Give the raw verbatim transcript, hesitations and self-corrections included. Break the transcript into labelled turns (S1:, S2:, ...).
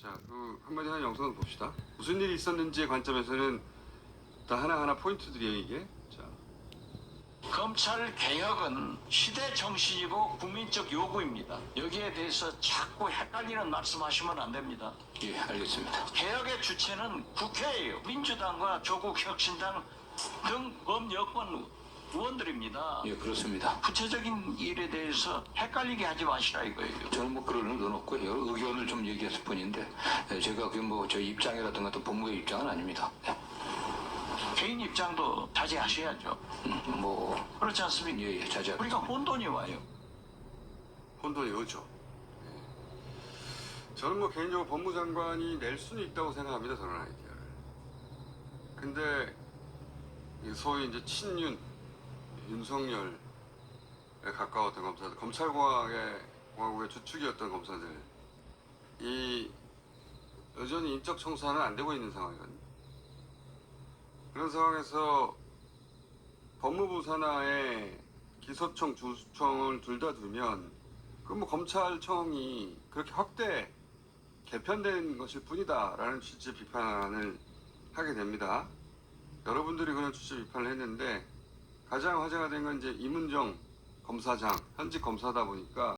S1: 자, 그 한마디 하는 영상을 봅시다. 무슨 일이 있었는지의 관점에서는 다 하나하나 포인트들이에요, 이게. 자,
S2: 검찰 개혁은 시대 정신이고 국민적 요구입니다. 여기에 대해서 자꾸 헷갈리는 말씀하시면 안 됩니다.
S3: 예, 알겠습니다.
S2: 개혁의 주체는 국회예요. 민주당과 조국혁신당 등 범여권 의원들입니다.
S3: 예, 그렇습니다.
S2: 구체적인 일에 대해서 헷갈리게 하지 마시라 이거예요.
S3: 저는 뭐 그런 의도는 없고요. 의견을 좀 얘기했을 뿐인데 예, 제가 그 뭐 저 입장이라든가 또 법무의 입장은 아닙니다. 예,
S2: 개인 입장도 자제하셔야죠.
S3: 음, 뭐
S2: 그렇지 않습니까?
S3: 예, 예, 자제하겠습니다.
S2: 우리가 혼돈이 와요.
S1: 혼돈이 오죠. 네. 저는 뭐 개인적으로 법무장관이 낼 수는 있다고 생각합니다, 저런 아이디어를. 근데 이 소위 이제 친윤, 윤석열에 가까웠던 검사들, 검찰공화국의 공화국의 주축이었던 검사들, 이 여전히 인적 청산은 안 되고 있는 상황이거든요. 그런 상황에서 법무부 산하에 기소청, 주수청을 둘 다 두면 그 뭐 검찰청이 그렇게 확대 개편된 것일 뿐이다라는 취지의 비판을 하게 됩니다. 여러분들이 그런 취지의 비판을 했는데 가장 화제가 된 건 이제 이문정 검사장, 현직 검사다 보니까